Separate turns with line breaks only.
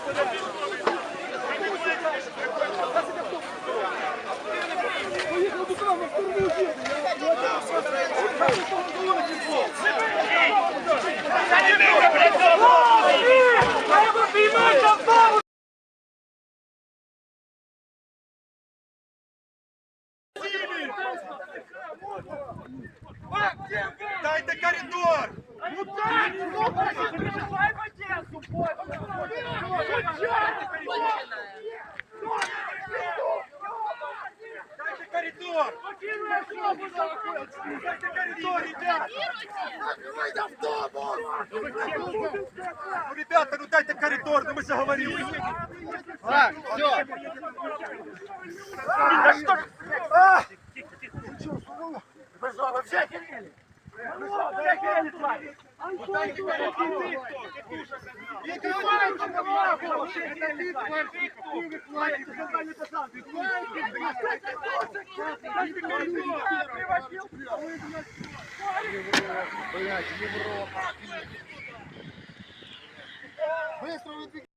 Дайте коридор! Дайте коридор! Дайте коридор, ребята! Ну, ребята, ну дайте коридор, ну мы же говорили.
Так, все.
Да что ж? Вы что, вообще охерели? Вы что, вообще охерели, твари? Вот дайте коридор!
Быстро